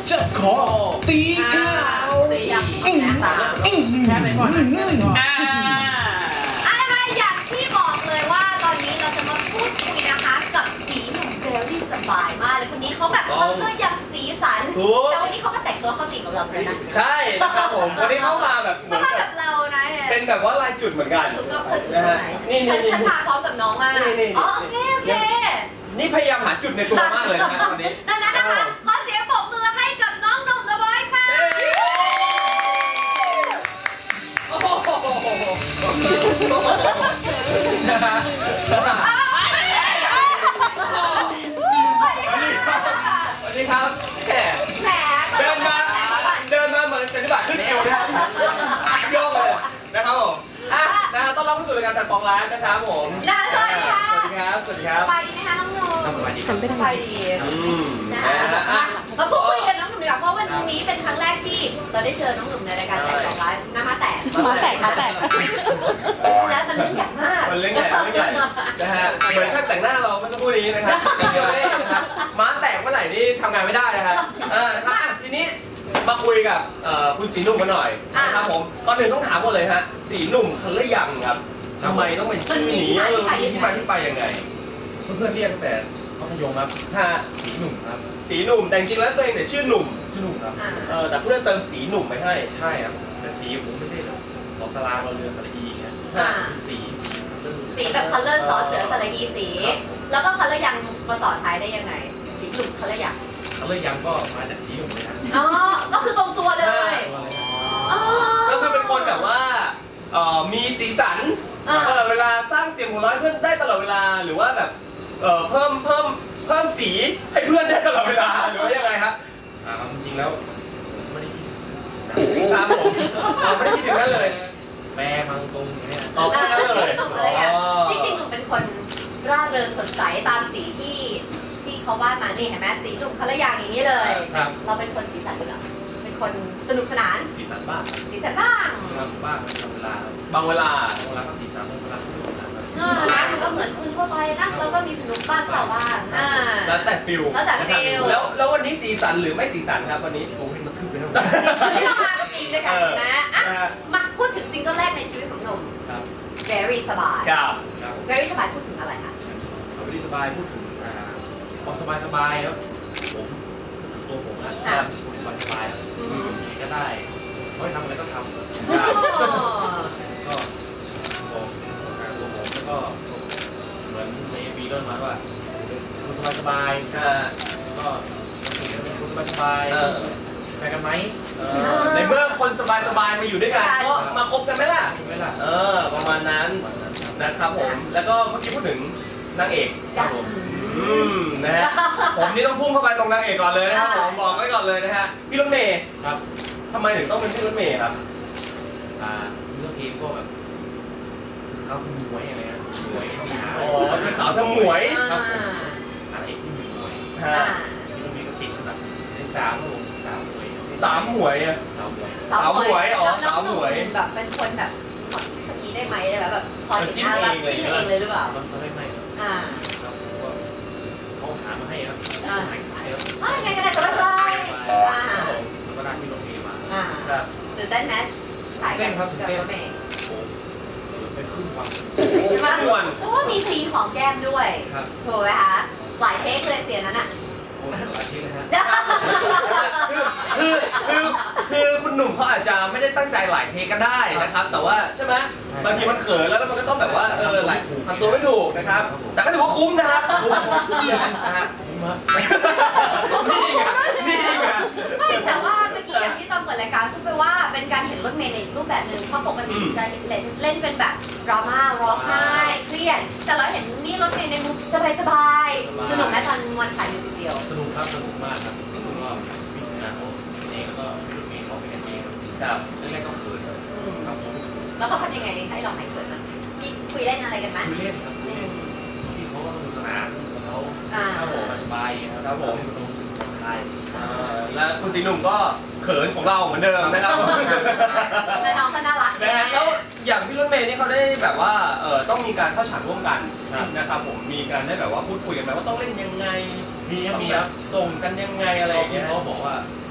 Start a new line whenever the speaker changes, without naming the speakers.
จะขอตีข่าว
แค่ไปก่อน
นะคะอย่างที่บอกเลยว่าตอนนี้เราจะมาพูดคุยนะคะกับสีหนุ่มเบลลี่สบายมากเลยคนนี้เขาแบบเขาเลือกอย่างสีสันแต่วันนี้เขาก็แต่งตัวเข้าตีกับเราเลยนะ
ใช่ครับผมวันนี้เข้ามาแบบเหมือน
แบบเรานะ
เป็นแบบว่าลายจุดเหมือนกัน
ถูกต้องเธอถูกตรงไหนฉันมาพร้อมกับน้องมากอ๋อโอเค
นี่พยายามหาจุดในตัวมากเลยนะตอนนี้
ดังนั้นนะคะขอเสียงปรบมือให้กับน้องหนุ่ม The Voice ค่ะ
โอ้โหนะฮะสวัสดีครับแหมเดินมาเหมือนเซนติบาทขึ้นเอวนะครับโยกเลยนะครับผมนะครับต้อนรับเข้าสู่รายการตัดฟองร้านนะครับผม
สวัสดีค่ะ
สวัสดีครับสบาย
ดีไหมคะน้องหนุ่ม
สบายดี
สบายดีนะคะมาพูดคุยกันน้องหนุ่มดีกว่าเพราะวันนี้เป็นครั้งแรกที่เราได้เจอน้องหนุ่มในรายการแต่ฟองร้านน้ำมาแตกแล้วมันเรื่องใหญ่มาก
มันเรื่องใหญ่นะฮะเหมือนช่างแต่งหน้าเราเมื่อสักครู่นี้นะครับม้าแตกเมื่อไหร่นี่ทำงานไม่ได้นะครับทีนี้มาคุยกับคุณสีหนุ่มกันหน่อยนะครับผมก่อนอื่นต้องถามก่อนเลยฮะสีหนุ่มคันละยังครับทำไมต้องเป็นชื่อนี้มีที่มาที่ไปยังไง
เพื่อนเรียกตั้งแต่มัธยมครับสีหนุ่มครับ
สีหนุ่มแต่จริงๆแล้วตัวเองเนี่ยชื่อหนุ่ม
ครับ
แต่เพื่อนเติมสีหนุ่มไปให้
ใช่ครับแต่สีผมไม่ใช่สอสลาเราเรือสระอีเงี้ย
สีแบบคัลเลอร์ซอสเสือสระอีสีแล้วก็คัลเลอร์ยังมาต่อท้ายได้ยังไงสีหนุ่มคัลเลอร์ยัง
ก็มาจากสีหนุ่มเลยนะ
อ๋อก็คือตรงตัวเลย
ก็คือเป็นคนแบบว่ามีสีสันตลอดเวลาสร้างเสียงหัวเราะเพื่อนได้ตลอดเวลาหรือว่าแบบเพิ่มสีให้เพื่อนได้ตลอดเวลาหรือว่ายังไงครับ
จริงๆแล้วไม่ได้คิด
ครับผมไม่ได้คิดถึงนั้นเลย
แปรมังตรงเนี้ย
แค่นั้นเลย
จริงๆหนุ่มเป็นคนร่าเริงสดใสตามสีที่เขาวาดมานี่เห็นไหมสีหนุ่มคัลเลอร์อย่างนี้เลยเราเป็นคนสีสันอยู่แล้วเป็นคนสนุกสนาน
สีสันบ้างบ้าง
บางเวลา
ก็สีสันบางเวลาก็ไม่สีสัน
นะมันก็เหมือนคุณทั่วไปนะเราก็มีสนุกบ้างเศร้าบ้าง
แล้วแต่ฟิลแล้ววันนี้สีสันหรือไม่สีสันครับวันนี้
โอ้ยมันทึบไปแล้ว
ที่เรามาเป็นทีมด้วยกันนะมาพูดถึงซิงเกิลแรกในชีวิตของหนุ่ม Very สบาย Very สบายพูดถึงอะไรคะ
Very สบายพูดถึงความสบายครับตัวผมนะสบายครับยังไงก็ได้ไม่ทำอะไรก็ทำก็บอกตัวผมแล้วก็เหมือนในปีต้นมาว่าคุณสบายแล้วก็เป็นคุณสบายแฟนกันไหม
ในเมื่อคนสบายมาอยู่ด้วยกันก็มาคบกันไหมล่ะประมาณนั้นนะครับผมแล้วก็เมื่อกี้พูดถึงนางเอกครับผมนะฮะผมนี่ต้องพุ่งเข้าไปตรงนางเอกก่อนเลยนะครับผมบอกไว้ก่อนเลยนะฮะพี่รถเมย์
ครับ
ทำไมถึงต้องเป็นพี่รถเมย์ครับ
เรื่องเพลงก็แบบเขาทำมวยอะไรนะมวย
เป็นสาวทำมวย
ครับนางเอกที่มีมวยพี่รถเมย์ก็ติดแบบในสามมวย
สาวหมวย
แบบเป็นคนแบบขอคนนี้ได้ไหมแบบพอเห็นหน้าแบบจิ้มเองเลยหรือเปล่า
เขาไม่ครับเขาหามาให้ครับ
ไงก็ได้ก็ได้
ก็ได้ที่โรงพยาบาล
ตื่นเต้นไหมถ่ายกับรถเมย์
เป็นครึ่งวัน
เพราะว่ามีซีนของแก้มด้วยถูกไหมคะหลายเทคเลยเสียนั้นอ่ะ
หลายเทคเลยฮะ
คือคุณหนุ่มเขาอาจจะไม่ได้ตั้งใจหลายเทก็ได้นะครับแต่ว่าใช่ไหมบางทีมันเขินแล้วมันก็ต้องแบบว่าหลายทำตัวไม่ถูกนะครับแต่ก็ถือว่าคุ้มนะครับคุ้มนะฮะนี่ไง
ไม่แต่ว่าเมื่อกี้อย่างที่ตอนเปิดรายการพูดไปว่าเป็นการเห็นรถเมล์ในรูปแบบหนึ่งเพราะปกติจะเล่นเป็นแบบดราม่าร้องไห้เครียดแต่เราเห็นนี่รถเมล์ในมุมสบายสนุกไหมตอนวันถ่ายมิวสิกวิดีโอ
สนุกครับสนุกมากครับก็พิจารณาเขาเองแล้วก็พี่รถเมล์เขาเป็นกันเองครับแรกๆก็เขินครับผม
แล้วเขาทำยังไงให้เราหายเขินมั้ยพี่คุยเล่นอะไรกันไหม
คุยเล่นครับพี่เขาก็สนุกสนานเขาครับผมสบายครับผมผ่อนคลาย
และคุณตีหนุ่มก็เขินของเราเหมือนเดิมนะครับ
และน้องก็น่ารัก
แล้วอย่างพี่รถเมย์นี่เขาได้แบบว่าต้องมีการเข้าฉากร่วมกันนะครับผมมีการได้แบบว่าพูดคุยกันไหมว่าต้องเล่นยังไง
มีครับ
ส่งกันยังไงอะไรอย่างเงี้ย
เขาบอกว่า